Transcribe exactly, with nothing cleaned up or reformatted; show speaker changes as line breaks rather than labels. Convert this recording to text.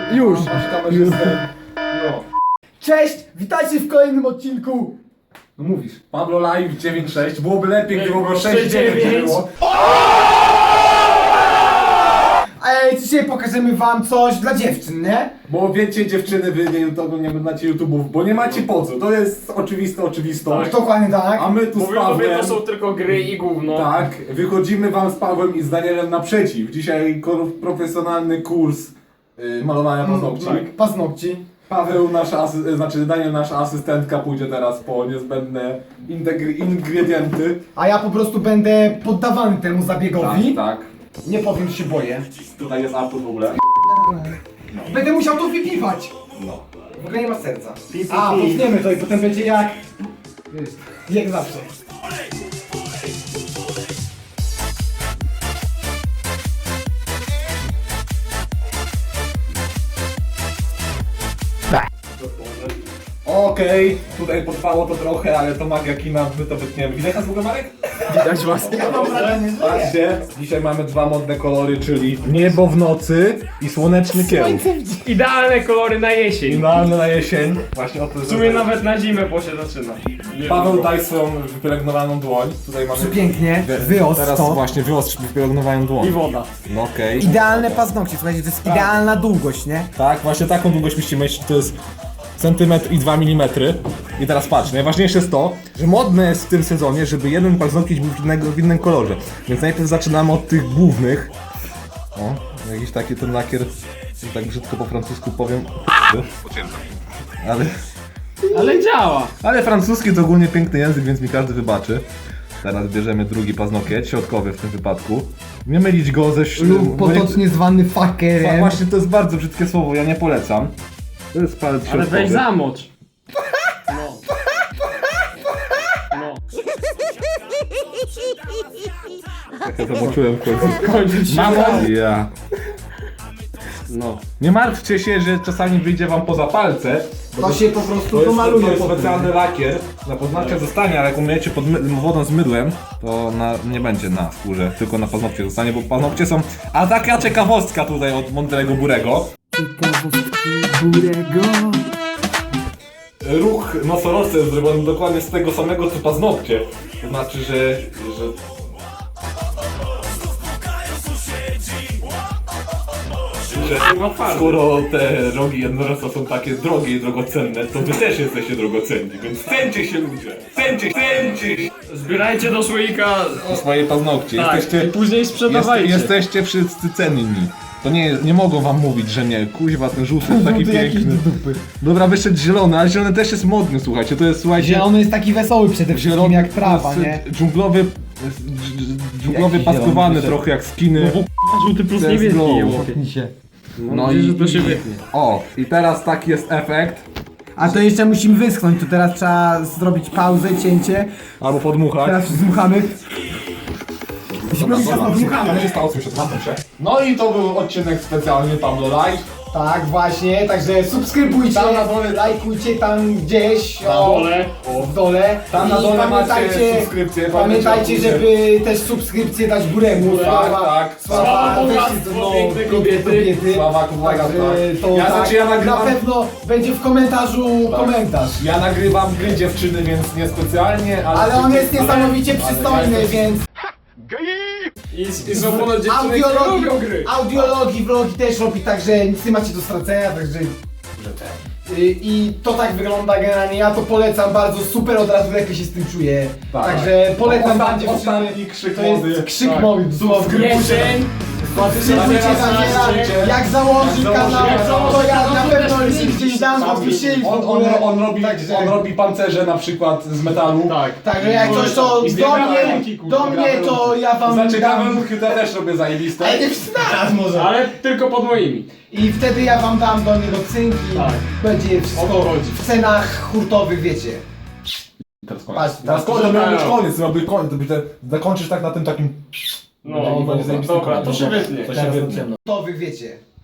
Już.
Już.
No.
Cześć, witajcie w kolejnym odcinku.
No mówisz. Pablo Live dziewięć sześć. Byłoby lepiej, gdyby było
sześć
sześć dziewięć
dziewięć.
było.
Ej, dzisiaj pokażemy wam coś dla dziewczyn, nie?
Bo wiecie dziewczyny, wy nie, to nie oglądacie YouTube'ów, bo nie macie po co. To jest oczywiste oczywistość.
Dokładnie tak.
A my tu z
Mówią tobie,
Pawłem...
to są tylko gry i gówno.
Tak, wychodzimy wam z Pawłem i z Danielem naprzeciw. Dzisiaj ko- profesjonalny kurs y, malowania paznokci.
Tak. Paznokci.
Paweł, nasza asy- znaczy Daniel, nasza asystentka, pójdzie teraz po niezbędne integry- ingredienty.
A ja po prostu będę poddawany temu
Tak,
zabiegowi.
tak.
Nie powiem, że się boję.
Tutaj jest Artur w ogóle.
Będę musiał to wypiwać.
No.
W ogóle nie ma serca.
Pi, pi,
A,
pi.
potniemy to i potem będzie jak... Wiesz, jak zawsze.
Okej, tutaj potrwało to trochę, ale to magia kina, my to wytniemy. Widać nas w ogóle, Marek?
Widać was.
Ja mam wrażenie, że
Patrzcie, dzisiaj mamy dwa modne kolory, czyli niebo w nocy i słoneczny kieł.
Idealne kolory na jesień.
Idealne na jesień. Właśnie o to
W sumie nawet na zimę, bo się zaczyna. Nie
Paweł,
wiem,
daj swoją wypielęgnowaną dłoń. Tutaj mamy...
Pięknie, wyostrz
Teraz
to.
właśnie wyostrz wypielęgnowaną dłoń.
I woda.
No okej.
Idealne paznokcie, słuchajcie, to jest idealna długość, nie?
Tak, właśnie taką długość musicie mieć, to jest centymetr i dwa milimetry. I teraz patrz, najważniejsze jest to, że modne jest w tym sezonie, żeby jeden paznokieć był w, innego, w innym kolorze. Więc najpierw zaczynamy od tych głównych. O, jakiś taki ten lakier, tak brzydko po francusku powiem. Ale,
Ale działa.
ale francuski to ogólnie piękny język, więc mi każdy wybaczy. Teraz bierzemy drugi paznokieć, środkowy w tym wypadku. Nie mylić go ze ś-
Lub potocznie zwany
Fa-
fuckerem.
Właśnie to jest bardzo brzydkie słowo, ja nie polecam. To jest palec
Ale
środkowy.
weź zamocz. No. No.
Ja zobaczyłem w końcu.
Kończyć się.
Mamo! Ja.
No.
Nie martwcie się, że czasami wyjdzie wam poza palce. bo
To się po prostu
to jest,
pomaluje
to jest
potem.
specjalny lakier. Na paznokcie zostanie, ale jak umyjecie pod my- wodą z mydłem, to na, nie będzie na skórze, tylko na paznokcie zostanie, bo paznokcie są... A taka ciekawostka tutaj od Mądrego Burego.
Burego.
Ruch nosorożca jest zrobiony dokładnie z tego samego co paznokcie. To znaczy, że... że... że skoro te rogi jednorożca są takie drogie i drogocenne, to wy też jesteście drogocenni, więc cencie się ludzie! Cencie, cencie się!
Zbierajcie do słoika.
Swoje paznokcie,
Tak,
jesteście...
i później sprzedawajcie.
Jest, jesteście wszyscy cenni. To nie, nie mogą wam mówić, że nie. Kuźwa, ten żółty jest taki piękny. Dobra, wyszedł zielony, ale zielony też jest modny, słuchajcie. To jest, słuchajcie...
Zielony jest taki wesoły przede wszystkim, jak trawa,
to jest
nie?
Dżunglowy... dż- Dżunglowy
Jaki
paskowany
zielony
trochę jak skiny.
Żółty plus
To jest
niebieski.
glow.
je łapie.
No
Nadzieję,
i,
że to się
i...
wytnie.
O, i teraz taki jest efekt.
A to jeszcze musimy wyschnąć, to teraz trzeba zrobić pauzę, cięcie.
Albo podmuchać.
Teraz zdmuchamy.
Dobra, dobra, dobra, się stało, słyszę, zamknę się. No i to był odcinek specjalny Pablo Live.
Tak, właśnie, także subskrybujcie,
Tam na dole-
lajkujcie tam gdzieś,
Na
o,
dole.
o, w dole.
Tam na
I
dole macie
pamiętajcie,
subskrypcję,
pamiętajcie,
pamiętajcie,
żeby też subskrypcję dać Buremu.
Tak, tak.
Sława
weźcie
bogactwo
to, no,
piękne
piękne
kobiety.
Sława Kubaga,
Także
tak.
to
Ja,
tak,
znaczy, ja
na
nagrywam...
pewno będzie w komentarzu
Tak.
komentarz.
Ja nagrywam gry dziewczyny, więc niespecjalnie, ale...
Ale on jest
ale-
niesamowicie
ale
przystojny,
ja jestem-
więc
I, i są ponad dziewczyny, które
audiologii,
lubią gry.
audiologii, vlogi też robi, także nic nie macie do stracenia, także... Y, I to tak wygląda generalnie, ja to polecam bardzo, super, od razu lepiej się z tym czuję.
Tak.
Także polecam
Ostat-
wam dziewczyny.
ostatni krzyk
To jest
mody.
krzyk
Tak.
mody, dosłownie.
Jesień.
Subskrybujcie Daniela, jak założy
Jak
kanał,
założy kanał,
to ja na
to
pewno
też
link gdzieś dam w opisie i w
On, on,
ogóle.
on, robi,
Także-
on robi pancerze na przykład z metalu.
Tak.
Także jak coś to
I
do
zbieramy
mnie,
ręki, kurwa,
do mnie to ja wam
Znaczy
dam.
kawałki to też robię zajebiste.
Ale nie wszyscy naraz może.
Ale tylko pod moimi.
I wtedy ja wam dam do niego cynki,
Tak.
będzie
O to
wszystko
chodzi.
w cenach hurtowych, wiecie.
Teraz koniec.
Patrz,
Teraz koniec, to miał być koniec, to miał być koniec, to by te, zakończysz tak na tym takim...
No,
będzie zajebisty
dobra,
koniec.
to się wytnie.
To się
Teraz to
wytnie.
ciemno. Hurtowych, wiecie.